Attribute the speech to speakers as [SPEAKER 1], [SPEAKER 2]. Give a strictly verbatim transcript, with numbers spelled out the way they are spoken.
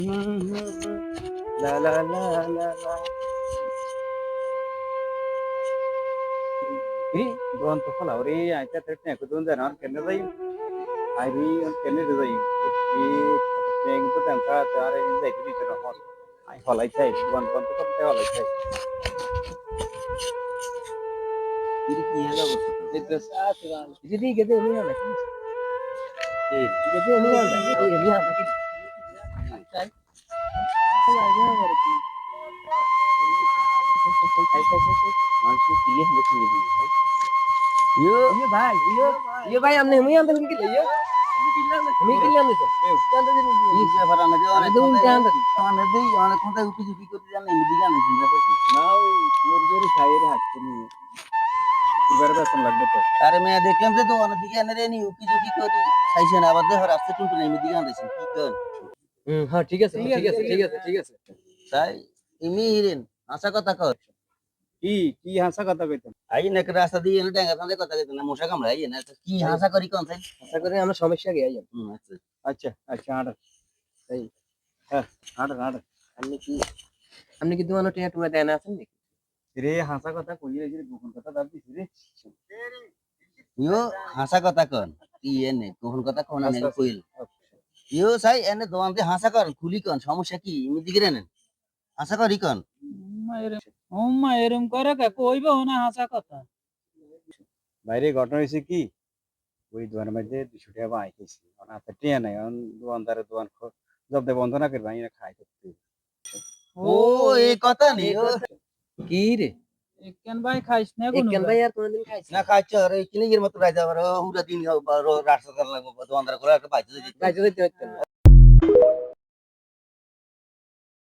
[SPEAKER 1] লা লা লা লা লা iri don to khala ore aita tetne ko don jana kenne dai ari on kenne dai i neng to tan ka tare in dai ni to hol ai holai thai don don to kam holai thai iri ki hela bos ei to sa tuan iri gede ni ala ki ei gede ni ala ei ni ala ki sai la ya bar ki ai sai sai mansu ki ye hme ki ni Yo, iya भाई, iya, iya भाई हमने हमें अंदर इनके लिए हमें के लिए हमने तो अंदर दिन ये क्या फरा ना जो आने तो उनके अंदर आने दे आने कौन सा ऊपर जुटी करते जाने मिली जाने जिंदा तो ना योर योर शायर हाथ के नहीं इधर बस लग तो अरे मैं देख लेम से तो आने दिखे आने रे नहीं ऊपर जुटी करी सही से ना बदले हर रास्ते टूट नहीं मिली जाने से की कर हम्म हाँ ठीक है ठीक है ठीक है ठीक है তাই ইমি হিরেন আশা কথা কর কি কি হাসা কথা কইতেন আই নাক রাস্তা দিয়ে এনে ডাঙ্গা ফাঁদে কথা কইতেন না মশা কামড়াই না কি হাসা করি কোন তাই হাসা করে আমরা সমস্যা গিয়ে যাই আচ্ছা আচ্ছা আচ্ছা আড় তাই হ্যাঁ আড় আড় আপনি কি আপনি কি তোমার টিয়া টুয়া দেনা আছেন নাকি রে হাসা কথা কই রে গোপন কথা দাবি দিছি রে ইয়ো হাসা কথা কোন কি এনে গোপন কথা কোন না কইল ইয়ো সাই এনে দোয়ান্তে হাসা কর খুলি কোন সমস্যা কি ইমি দিকে নেন হাসা করি কোন
[SPEAKER 2] ওম্মা এরম করে কে কইবে না হাসা কথা
[SPEAKER 1] বাইরে ঘটনা হয়েছে কি ওই দোয়ানের মধ্যে দুশো টাকা বাই খেয়েছি ওনার হাতে টিয়া নাই এখন দোয়ানদারে দোয়ান জব্দে বন্ধ না করবে আমি খাই করতে
[SPEAKER 2] ও
[SPEAKER 1] এই কথা নেই
[SPEAKER 2] কি রে একেন ভাই খাইছ না কোন
[SPEAKER 1] একেন ভাই আর কোনদিন খাইছ না খাইছ আর কিনে এর মতো রাজা আর হুরা দিন রাস্তা লাগবো দোয়ানদারে করে একটা বাইতে দিতে বাইতে দিতে